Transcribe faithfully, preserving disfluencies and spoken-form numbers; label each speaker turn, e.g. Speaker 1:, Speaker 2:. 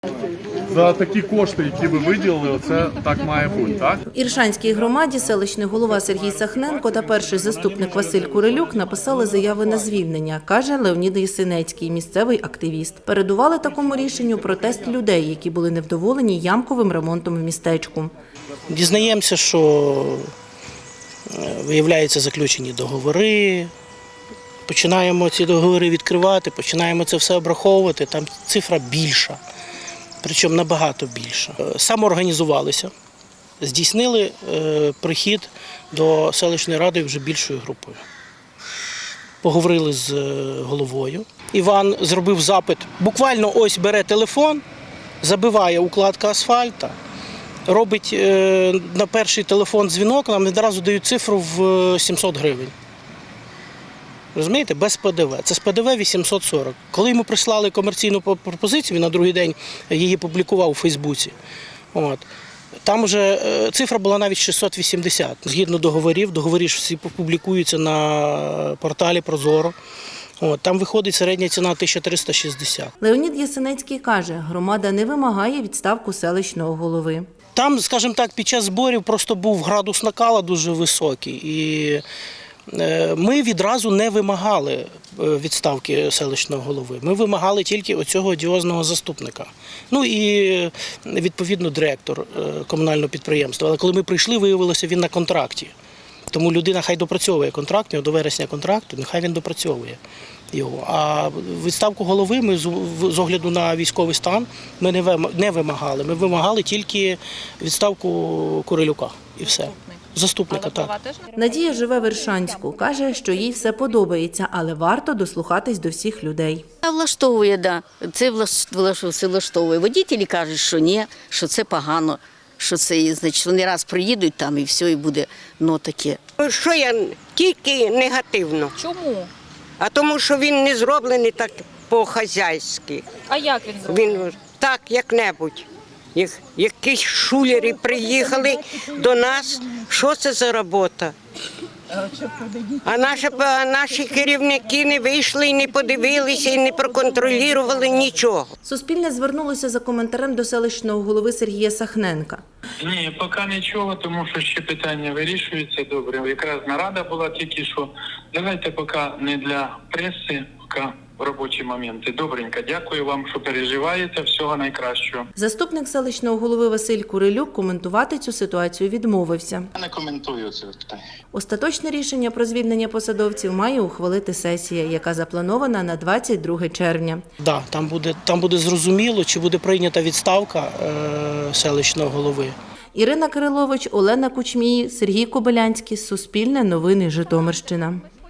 Speaker 1: За такі кошти, які ви виділили, оце так має бути, так?
Speaker 2: В Іршанській громаді селищний голова Сергій Сахненко та перший заступник Василь Курилюк написали заяви на звільнення, каже Леонід Єсенецький, місцевий активіст. Передували такому рішенню протест людей, які були невдоволені ямковим ремонтом в містечку.
Speaker 3: Дізнаємося, що виявляються заключені договори, починаємо ці договори відкривати, починаємо це все обраховувати, там цифра більша. Причому набагато більше. Самоорганізувалися, здійснили е, прихід до селищної ради вже більшою групою. Поговорили з головою. Іван зробив запит. Буквально ось бере телефон, забиває укладка асфальта, робить е, на перший телефон дзвінок, нам відразу дають цифру в сімсот гривень. Розумієте, без Пе Де Ве. Це з Пе Де Ве вісімсот сорок. Коли йому прислали комерційну пропозицію, він на другий день її публікував у Фейсбуці. От. Там вже цифра була навіть шістсот вісімдесят. Згідно договорів, договори ж всі публікуються на порталі Прозоро. От. Там виходить середня ціна тисяча триста шістдесят.
Speaker 2: Леонід Єсенецький каже, громада не вимагає відставку селищного голови.
Speaker 3: Там, скажімо так, під час зборів просто був градус накала дуже високий. І ми відразу не вимагали відставки селищного голови. Ми вимагали тільки оцього одіозного заступника. Ну і, відповідно, директор комунального підприємства. Але коли ми прийшли, виявилося, він на контракті. Тому людина хай допрацьовує контракт, до вересня контракту, нехай він допрацьовує його. А відставку голови ми з огляду на військовий стан ми не вимагали. Ми вимагали тільки відставку Курилюка і все. Заступника, так.
Speaker 2: Надія живе в Іршанську. Каже, що їй все подобається, але варто дослухатись до всіх людей.
Speaker 4: Влаштовує, да. Це все влаштовує. Водітелі кажуть, що ні, що це погано, що це, значить, вони раз приїдуть там і все, і буде, ну, таке.
Speaker 5: Що я тільки негативно.
Speaker 6: Чому?
Speaker 5: А тому, що він не зроблений так по-хазяйськи.
Speaker 6: А як він зроблений?
Speaker 5: Він так, як-небудь. Як, якісь шулери приїхали до нас. Що це за робота? А наші, наші керівники не вийшли і не подивилися, і не проконтролювали нічого.
Speaker 2: Суспільне звернулося за коментарем до селищного голови Сергія Сахненка.
Speaker 7: Ні, поки нічого, тому що ще питання вирішується добре. Якраз нарада була тільки що. Давайте поки не для преси, поки в робочі моменти. Добренько, дякую вам, що переживаєте. Всього найкращого.
Speaker 2: Заступник селищного голови Василь Курилюк коментувати цю ситуацію відмовився.
Speaker 8: Я не коментую це питання.
Speaker 2: Остаточне рішення про звільнення посадовців має ухвалити сесія, яка запланована на двадцять друге червня.
Speaker 3: Да, там буде, там буде зрозуміло, чи буде прийнята відставка е, селищного голови.
Speaker 2: Ірина Кирилович, Олена Кучмій, Сергій Кобилянський. Суспільне новини Житомирщина.